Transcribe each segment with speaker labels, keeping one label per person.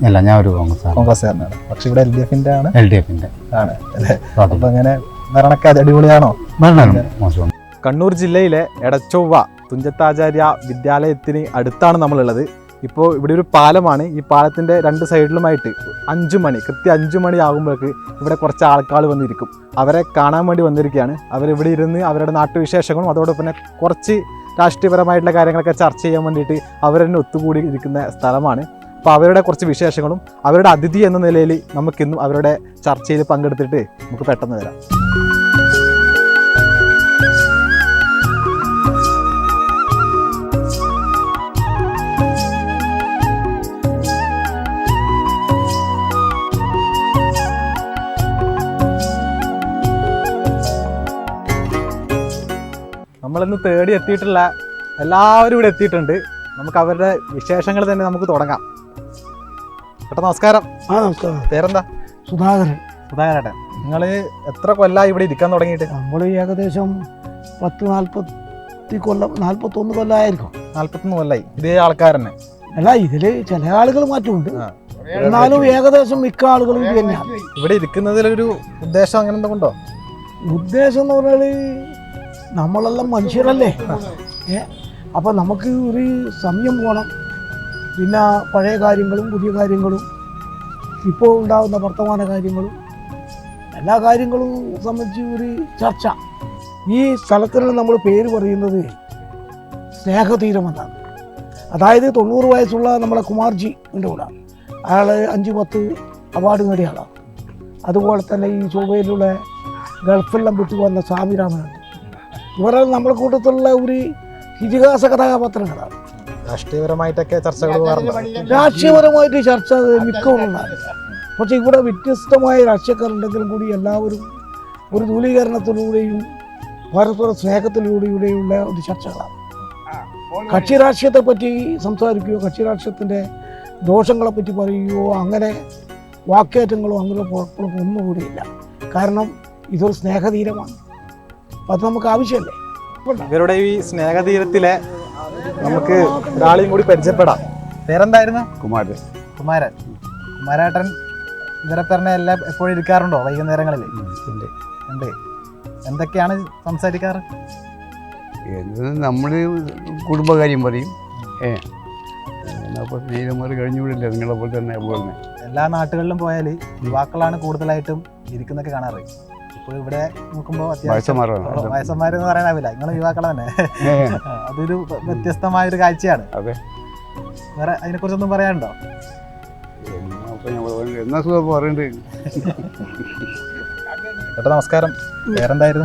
Speaker 1: അല്ല, ഞാൻ ഒരു
Speaker 2: കോൺഗ്രസ്സുകാരനാണ്. പക്ഷെ ഇവിടെ LDF ആണ്. ആണ് അല്ലേ? അപ്പൊ അങ്ങനെ ഭരണമൊക്കെ അടിപൊളിയാണോ?
Speaker 1: മോശം.
Speaker 2: കണ്ണൂർ ജില്ലയിലെ എടച്ചൊവ്വ തുഞ്ചത്താചാര്യ വിദ്യാലയത്തിന് അടുത്താണ് നമ്മളുള്ളത്. ഇപ്പോൾ ഇവിടെ ഒരു പാലമാണ്. ഈ പാലത്തിൻ്റെ രണ്ട് സൈഡിലുമായിട്ട് 5 മണി, കൃത്യം 5 മണി ആകുമ്പോഴേക്ക് ഇവിടെ കുറച്ച് ആൾക്കാർ വന്നിരിക്കും. അവരെ കാണാൻ വേണ്ടി വന്നിരിക്കുകയാണ്. അവരിവിടെ ഇരുന്ന് അവരുടെ നാട്ടുവിശേഷങ്ങളും അതോടൊപ്പം തന്നെ കുറച്ച് രാഷ്ട്രീയപരമായിട്ടുള്ള കാര്യങ്ങളൊക്കെ ചർച്ച ചെയ്യാൻ വേണ്ടിയിട്ട് അവർ തന്നെ ഒത്തുകൂടി ഇരിക്കുന്ന സ്ഥലമാണ്. അപ്പോൾ അവരുടെ കുറച്ച് വിശേഷങ്ങളും അവരുടെ അതിഥി എന്ന നിലയിൽ നമുക്കിന്നും അവരുടെ ചർച്ചയിൽ പങ്കെടുത്തിട്ട് നമുക്ക് പെട്ടെന്ന് വരാം. നമ്മളിന്ന് തേടി എത്തിയിട്ടുള്ള എല്ലാവരും ഇവിടെ എത്തിയിട്ടുണ്ട്. നമുക്ക് അവരുടെ വിശേഷങ്ങൾ തന്നെ നമുക്ക് തുടങ്ങാം. ചേട്ടാ നമസ്കാരം.
Speaker 3: നമസ്കാരം.
Speaker 2: പേരെന്താ? സുധാകരേട്ടൻ. നിങ്ങൾ എത്ര കൊല്ലമായി ഇവിടെ ഇരിക്കാൻ തുടങ്ങിയിട്ട്?
Speaker 3: നമ്മൾ ഏകദേശം 41 കൊല്ലമായിരിക്കും.
Speaker 2: 41 കൊല്ലമായി ഇതേ ആൾക്കാർ തന്നെ?
Speaker 3: അല്ല, ഇതില് ചില ആളുകൾ മാറ്റമുണ്ട്, എന്നാലും ഏകദേശം മിക്ക ആളുകളും ഇത് തന്നെയാണ്.
Speaker 2: ഇവിടെ ഇരിക്കുന്നതിലൊരു ഉദ്ദേശം അങ്ങനെ എന്തുകൊണ്ടോ?
Speaker 3: ഉദ്ദേശം എന്ന് പറഞ്ഞാൽ നമ്മളെല്ലാം മനുഷ്യരല്ലേ. അപ്പം നമുക്ക് ഒരു സമയം പോകണം. പിന്നെ പഴയ കാര്യങ്ങളും പുതിയ കാര്യങ്ങളും ഇപ്പോൾ ഉണ്ടാകുന്ന വർത്തമാന കാര്യങ്ങളും എല്ലാ കാര്യങ്ങളും സംബന്ധിച്ച് ഒരു ചർച്ച. ഈ സ്ഥലത്തിന് നമ്മൾ പേര് പറയുന്നത് സ്നേഹതീരമെന്നാണ്. അതായത് 90 വയസ്സുള്ള നമ്മളെ കുമാർജിൻ്റെ കൂടെ അയാൾ 5-10 അവാർഡ് നേടിയ ആളാണ്. അതുപോലെ തന്നെ ഈ ചൊവ്വയിലുള്ള ഗൾഫെല്ലാം വിട്ടു വന്ന സ്വാമിരാമനുണ്ട്. ഇവരെല്ലാം നമ്മുടെ കൂട്ടത്തിലുള്ള ഒരു ഇതിഹാസ കഥാപാത്രങ്ങളാണ്.
Speaker 2: രാഷ്ട്രീയപരമായിട്ടൊക്കെ ചർച്ചകൾ
Speaker 3: രാഷ്ട്രീയപരമായിട്ട് ചർച്ച മിക്കവാറുണ്ടാകും. പക്ഷെ ഇവിടെ വ്യത്യസ്തമായ രാഷ്ട്രീയക്കാരുണ്ടെങ്കിലും കൂടി എല്ലാവരും ഒരു ധൂലീകരണത്തിലൂടെയും പരസ്പര സ്നേഹത്തിലൂടെയുള്ള ഒരു ചർച്ചകളാണ്. കക്ഷി രാഷ്ട്രീയത്തെ പറ്റി സംസാരിക്കുകയോ കക്ഷി രാഷ്ട്രീയത്തിൻ്റെ ദോഷങ്ങളെ പറ്റി പറയുകയോ അങ്ങനെ വാക്കേറ്റങ്ങളോ അങ്ങനെ കുഴപ്പങ്ങളോ ഒന്നുകൂടിയില്ല. കാരണം ഇതൊരു സ്നേഹതീരമാണ്. അപ്പം അത് നമുക്ക് ആവശ്യമല്ലേ.
Speaker 2: ഇവരുടെ ഈ സ്നേഹതീരത്തിലെ നമുക്ക് ഒരാളെയും കൂടി പരിചയപ്പെടാം. പേരെന്തായിരുന്നു? കുമാരേട്ടൻ ഇവരെ പറഞ്ഞ എല്ലാം എപ്പോഴും ഇരിക്കാറുണ്ടോ വൈകുന്നേരങ്ങളിൽ? ഉണ്ട്. എന്തൊക്കെയാണ് സംസാരിക്കാറ്?
Speaker 1: നമ്മൾ കുടുംബകാര്യം പറയും. അപ്പോൾ സ്നേഹിതന്മാർ കഴിഞ്ഞുകൂടില്ല നിങ്ങളെ പോലെ തന്നെ.
Speaker 2: എല്ലാ നാട്ടുകളിലും പോയാൽ യുവാക്കളാണ് കൂടുതലായിട്ടും ഇരിക്കുന്നൊക്കെ കാണാറ്. ഇപ്പോൾ ഇവിടെ നോക്കുമ്പോൾ വയസ്സന്മാരെന്ന് പറയാനാവില്ല, നിങ്ങൾ യുവാക്കളെ തന്നെ. അതൊരു വ്യത്യസ്തമായൊരു കാഴ്ചയാണ്. വേറെ അതിനെക്കുറിച്ചൊന്നും പറയാനുണ്ടോ? ചേട്ടാ നമസ്കാരം. പേരെന്തായിരുന്നു?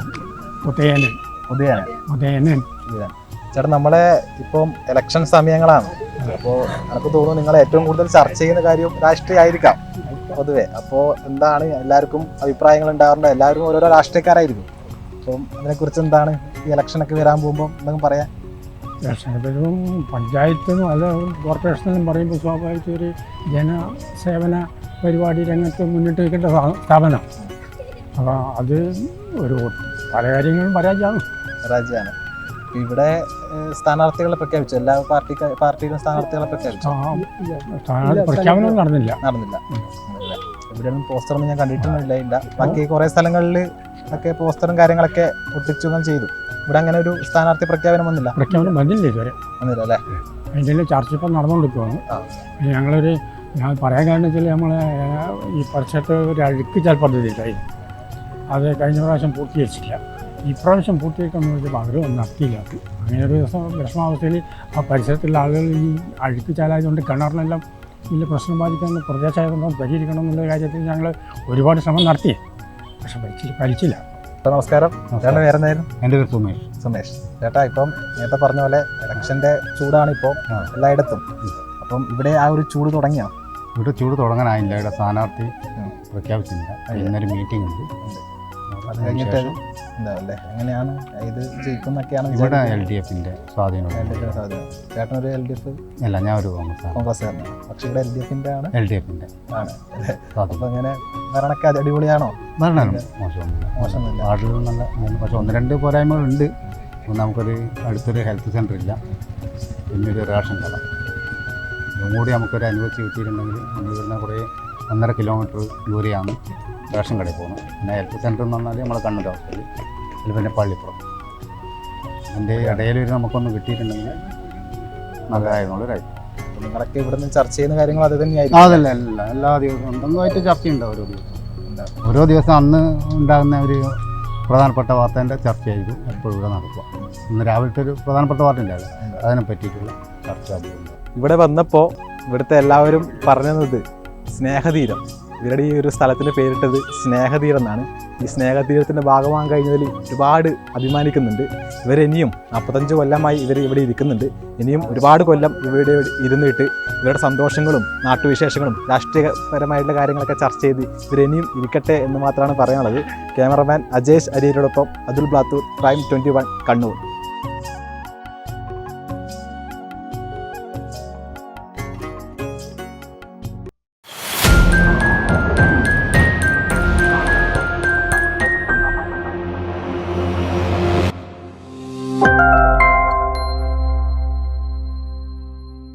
Speaker 3: ഉദയനൻ.
Speaker 2: ചേട്ടാ നമ്മളെ ഇപ്പം ഇലക്ഷൻ സമയങ്ങളാണ്. അപ്പോൾ എനിക്ക് തോന്നുന്നു നിങ്ങൾ ഏറ്റവും കൂടുതൽ ചർച്ച ചെയ്യുന്ന കാര്യം രാഷ്ട്രീയമായിരിക്കാം പൊതുവെ. അപ്പോൾ എന്താണ് എല്ലാവർക്കും അഭിപ്രായങ്ങൾ ഉണ്ടാവാറുണ്ട്? എല്ലാവരും ഓരോരോ രാഷ്ട്രീയക്കാരായിരിക്കും. അപ്പം അതിനെക്കുറിച്ച് എന്താണ് ഈ ഇലക്ഷനൊക്കെ വരാൻ പോകുമ്പോൾ എന്തെങ്കിലും പറയാം?
Speaker 4: ഇലക്ഷനും പഞ്ചായത്തിനും അല്ല കോർപ്പറേഷനെന്നും പറയുമ്പോൾ സ്വാഭാവിക ഒരു ജനസേവന പരിപാടി രംഗത്ത് മുന്നിട്ട് നിൽക്കേണ്ട സ്ഥാപനം. അപ്പോൾ അത് ഒരു പല കാര്യങ്ങളും പരാജയമാണ്. ഇവിടെ സ്ഥാനാർത്ഥികളെ പ്രഖ്യാപിച്ചു. എല്ലാ പാർട്ടിയിലും സ്ഥാനാർത്ഥികളെ പ്രഖ്യാപിച്ചു. പ്രഖ്യാപനം നടന്നില്ല.
Speaker 2: ഇവിടെയൊന്നും പോസ്റ്ററൊന്നും ഞാൻ കണ്ടിട്ടൊന്നുമില്ല. ബാക്കി കുറേ സ്ഥലങ്ങളിൽ ഒക്കെ പോസ്റ്ററും കാര്യങ്ങളൊക്കെ ഒട്ടിച്ചു ചെയ്തു. ഇവിടെ അങ്ങനെ ഒരു സ്ഥാനാർത്ഥി പ്രഖ്യാപനം വന്നില്ല.
Speaker 4: ഇതുവരെ
Speaker 2: വന്നില്ല അല്ലേ?
Speaker 4: അതിൻ്റെ ചർച്ച ഇപ്പം നടന്നുകൊണ്ടിരിക്കുകയാണ്. ഞാൻ പറയാൻ കാരണം വെച്ചാൽ നമ്മളെ ഈ പരിസരത്ത് ഒരു അഴുക്കുചാൽ പദ്ധതി ഉണ്ടായി. അത് കഴിഞ്ഞ പ്രാവശ്യം പൂർത്തീകരിച്ചില്ല. ഇപ്രാവശ്യം പൂർത്തീകരിക്കാമെന്ന് വെച്ചപ്പോൾ അവർ നടത്തിയില്ല. അങ്ങനെ ഒരു വിഷമാവസ്ഥയിൽ ആ പരിസരത്തുള്ള ആളുകൾ ഈ അഴുക്കുചാലായതുകൊണ്ട് കിണറിനെല്ലാം വലിയ പ്രശ്നം ബാധിക്കുന്ന പ്രദേശമായതുകൊണ്ട് പരിഹരിക്കണം എന്നുള്ള കാര്യത്തിൽ ഞങ്ങൾ ഒരുപാട് ശ്രമം നടത്തി. പക്ഷെ ഫലിച്ചില്ല.
Speaker 2: നമസ്കാരം. ചേട്ടൻ്റെ പേരെന്തായിരുന്നു?
Speaker 1: എൻ്റെ പേര്
Speaker 2: സുമേഷ്. ചേട്ടാ ഇപ്പം നേരത്തെ പറഞ്ഞ പോലെ ഇലക്ഷൻ്റെ ചൂടാണ് ഇപ്പോൾ എല്ലായിടത്തും. അപ്പം ഇവിടെ ആ ഒരു ചൂട് തുടങ്ങിയോ?
Speaker 1: ഇവിടെ ചൂട് തുടങ്ങാനായില്ല. ഇവിടെ സ്ഥാനാർത്ഥി പ്രഖ്യാപിച്ചില്ല. ഇന്നൊരു മീറ്റിംഗ് ഉണ്ട്.
Speaker 2: അത് കഴിഞ്ഞിട്ട് എന്താല്ലേ എങ്ങനെയാണ് ഇത് ജയിക്കുന്നൊക്കെയാണ്?
Speaker 1: ഇവിടെ LDFന്റെ സ്വാധീനം.
Speaker 2: ചേട്ടനൊരു LDF?
Speaker 1: അല്ല, ഞാൻ ഒരു
Speaker 2: കോൺഗ്രസ്സുകാരനാണ്. പക്ഷെ ഇവിടെ LDFന്റെ ആണ്.
Speaker 1: ആണ്.
Speaker 2: അപ്പൊ അങ്ങനെ ഭരണമൊക്കെ അടിപൊളിയാണോ?
Speaker 1: ഭരണം മോശമൊന്നുമില്ല. വാർഡിലും നല്ല. പക്ഷെ 1-2 പോരായ്മകളുണ്ട്. നമുക്കൊരു അടുത്തൊരു ഹെൽത്ത് സെൻ്റർ ഇല്ല, പിന്നെ ഒരു റേഷൻ കട. അതും കൂടി നമുക്കൊരു അനുവദിച്ച് കിട്ടിയിട്ടുണ്ടെങ്കിൽ നമ്മൾ ഇവിടുന്ന് കുറേ 1.5 കിലോമീറ്റർ ദൂരെയാണ് റേഷൻ കടയിൽ പോകുന്നത്. പിന്നെ ഹെൽത്ത് സെൻ്റർ എന്ന് പറഞ്ഞാൽ നമ്മളെ കണ്ണൂർ ഹോസ്പിറ്റൽ, അതിൽ പിന്നെ പള്ളിപ്പുറം. അതിൻ്റെ ഇടയിൽ ഒരു നമുക്കൊന്ന് കിട്ടിയിട്ടുണ്ടെങ്കിൽ നല്ലതായിരുന്നുള്ളൊരായി.
Speaker 2: നിങ്ങളൊക്കെ ഇവിടെ നിന്ന് ചർച്ച ചെയ്യുന്ന കാര്യങ്ങൾ അത് തന്നെയായിരിക്കും.
Speaker 1: അതല്ല എല്ലാ ദിവസവും എന്തെങ്കിലുമായിട്ട് ചർച്ചയുണ്ടാവും ഓരോ ദിവസം അന്ന് ഉണ്ടാകുന്ന ഒരു പ്രധാനപ്പെട്ട വാർത്തേൻ്റെ ചർച്ചയായിരിക്കും എപ്പോഴും ഇവിടെ നടക്കുക. ഇന്ന് രാവിലത്തെ ഒരു പ്രധാനപ്പെട്ട വാർത്ത ഉണ്ടാവില്ല, അതിനെ പറ്റിയിട്ടുള്ള ചർച്ച അതിലുണ്ട്.
Speaker 2: ഇവിടെ വന്നപ്പോൾ ഇവിടുത്തെ എല്ലാവരും പറഞ്ഞത് സ്നേഹതീരം. ഇവരുടെ ഈ ഒരു സ്ഥലത്തിൻ്റെ പേരിട്ടത് സ്നേഹതീരം എന്നാണ്. ഈ സ്നേഹതീരത്തിൻ്റെ ഭാഗമാകാൻ കഴിഞ്ഞതിൽ ഒരുപാട് അഭിമാനിക്കുന്നുണ്ട്. ഇവരിനിയും 45 കൊല്ലമായി ഇവർ ഇവിടെ ഇരിക്കുന്നുണ്ട്. ഇനിയും ഒരുപാട് കൊല്ലം ഇവിടെ ഇരുന്നിട്ട് ഇവരുടെ സന്തോഷങ്ങളും നാട്ടുവിശേഷങ്ങളും രാഷ്ട്രീയപരമായിട്ടുള്ള കാര്യങ്ങളൊക്കെ ചർച്ച ചെയ്ത് ഇവരിനിയും ഇരിക്കട്ടെ എന്ന് മാത്രമാണ് പറയാനുള്ളത്. ക്യാമറമാൻ അജേഷ് അരിയരോടൊപ്പം അതുൽ ബ്ലാത്തൂർ, Prime 21 കണ്ണൂർ.